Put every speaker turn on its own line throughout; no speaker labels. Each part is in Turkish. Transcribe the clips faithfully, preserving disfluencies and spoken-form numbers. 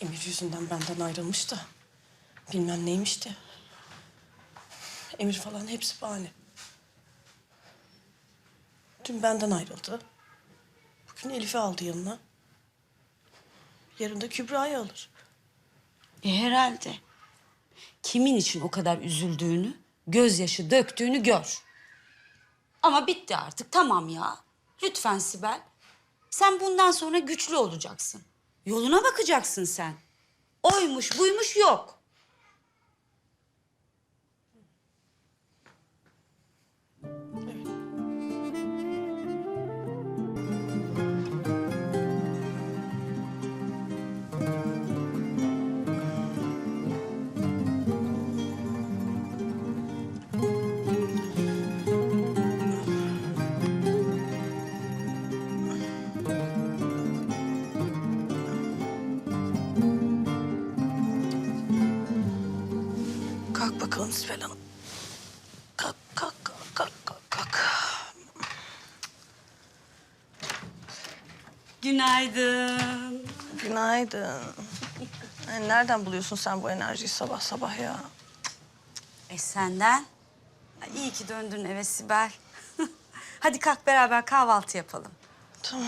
Emir yüzünden benden ayrılmış da bilmem neymişti. Emir falan hepsi bahane. Dün benden ayrıldı. Bugün Elif'i aldı yanına. Yarın da Kübra'yı alır.
E herhalde. Kimin için o kadar üzüldüğünü, gözyaşı döktüğünü gör. Ama bitti artık, tamam ya. Lütfen Sibel. Sen bundan sonra güçlü olacaksın. Yoluna bakacaksın sen. Oymuş buymuş yok.
Kalk bakalım Sibel Hanım. Kalk, kalk, kalk, kalk, kalk, kalk.
Günaydın.
Günaydın. Yani nereden buluyorsun sen bu enerjiyi sabah sabah ya?
E senden? Ay, İyi ki döndün eve Sibel. Hadi kalk beraber kahvaltı yapalım.
Tamam.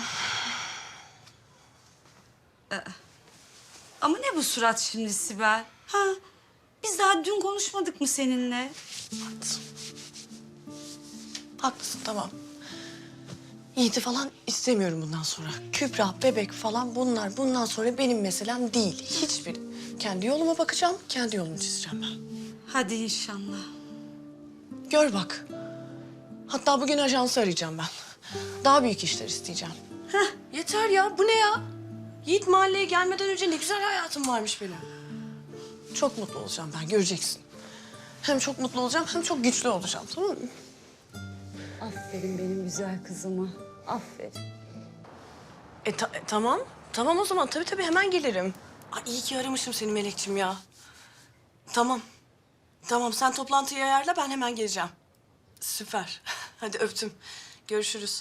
Ama ne bu surat şimdi Sibel? Ha? Biz daha dün konuşmadık mı seninle?
Haklısın. Haklısın, tamam. Yiğit'i falan istemiyorum bundan sonra. Kübra, bebek falan bunlar bundan sonra benim meselem değil. Hiçbir. Kendi yoluma bakacağım, kendi yolumu çizeceğim ben.
Hadi inşallah.
Gör bak. Hatta bugün ajansı arayacağım ben. Daha büyük işler isteyeceğim. Heh, yeter ya. Bu ne ya? Yiğit mahalleye gelmeden önce ne güzel hayatım varmış benim. Çok mutlu olacağım ben, göreceksin. Hem çok mutlu olacağım, hem çok güçlü olacağım, tamam mı?
Aferin benim güzel kızıma. Aferin.
E, ta- e, tamam. Tamam o zaman. Tabii tabii hemen gelirim. Ay, iyi ki aramışım seni Melekciğim ya. Tamam. Tamam sen toplantıyı ayarla, ben hemen geleceğim. Süper. Hadi öptüm. Görüşürüz.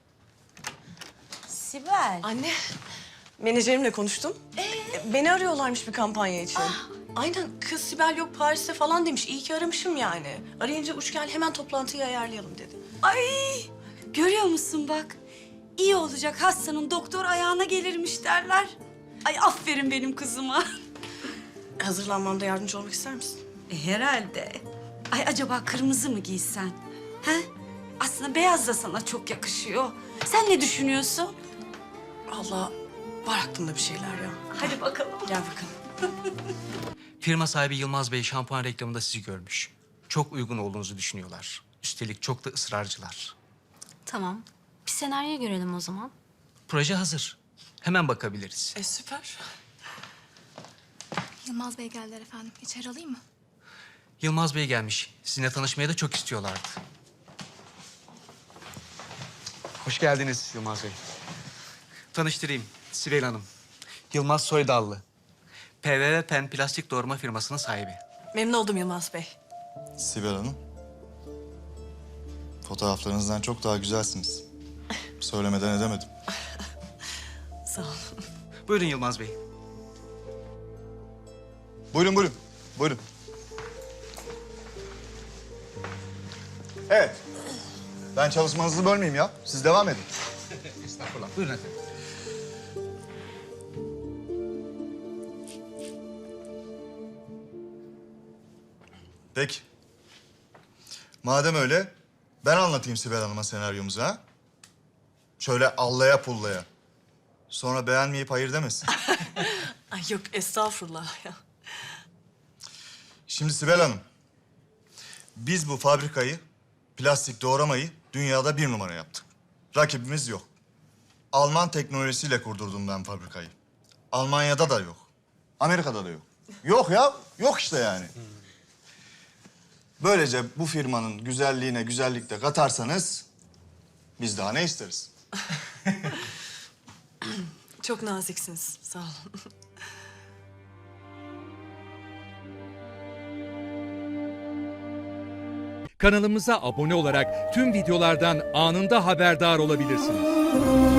Sibel.
Anne, menajerimle konuştum. Ee? Beni arıyorlarmış bir kampanya için. Aynen, kız Sibel yok Paris'te falan demiş. İyi ki aramışım yani. Arayınca uç gel hemen toplantıyı ayarlayalım dedi.
Ay görüyor musun bak. İyi olacak hastanın doktor ayağına gelirmiş derler. Ay aferin benim kızıma.
Hazırlanmamda yardımcı olmak ister misin?
E, herhalde. Ay acaba kırmızı mı giysen? He? Aslında beyaz da sana çok yakışıyor. Sen ne düşünüyorsun?
Allah, var aklımda bir şeyler ya.
Hadi bakalım.
Gel bakalım.
Firma sahibi Yılmaz Bey şampuan reklamında sizi görmüş. Çok uygun olduğunuzu düşünüyorlar. Üstelik çok da ısrarcılar.
Tamam. Bir senaryo görelim o zaman.
Proje hazır. Hemen bakabiliriz.
E süper.
Yılmaz Bey geldiler efendim. İçeri alayım mı?
Yılmaz Bey gelmiş. Sizinle tanışmaya da çok istiyorlardı. Hoş geldiniz Yılmaz Bey. Tanıştırayım. Sibel Hanım. Yılmaz Soydallı. P V V Pen plastik doğurma firmasının sahibi.
Memnun oldum Yılmaz Bey.
Sibel Hanım, fotoğraflarınızdan çok daha güzelsiniz. Söylemeden edemedim.
Sağ ol.
Buyurun Yılmaz Bey.
Buyurun, buyurun. Buyurun. Evet. Ben çalışmanızı bölmeyeyim ya. Siz devam edin.
Estağfurullah. Buyurun efendim.
Peki. Madem öyle, ben anlatayım Sibel Hanım'a senaryomuzu ha. Şöyle allaya pullaya. Sonra beğenmeyip hayır demesin.
Ay yok estağfurullah ya.
Şimdi Sibel Hanım, biz bu fabrikayı, plastik doğramayı dünyada bir numara yaptık. Rakibimiz yok. Alman teknolojisiyle kurdurdum ben fabrikayı. Almanya'da da yok. Amerika'da da yok. Yok ya, yok işte yani. Böylece bu firmanın güzelliğine güzellik de katarsanız biz daha ne isteriz?
Çok naziksiniz. Sağ olun.
Kanalımıza abone olarak tüm videolardan anında haberdar olabilirsiniz.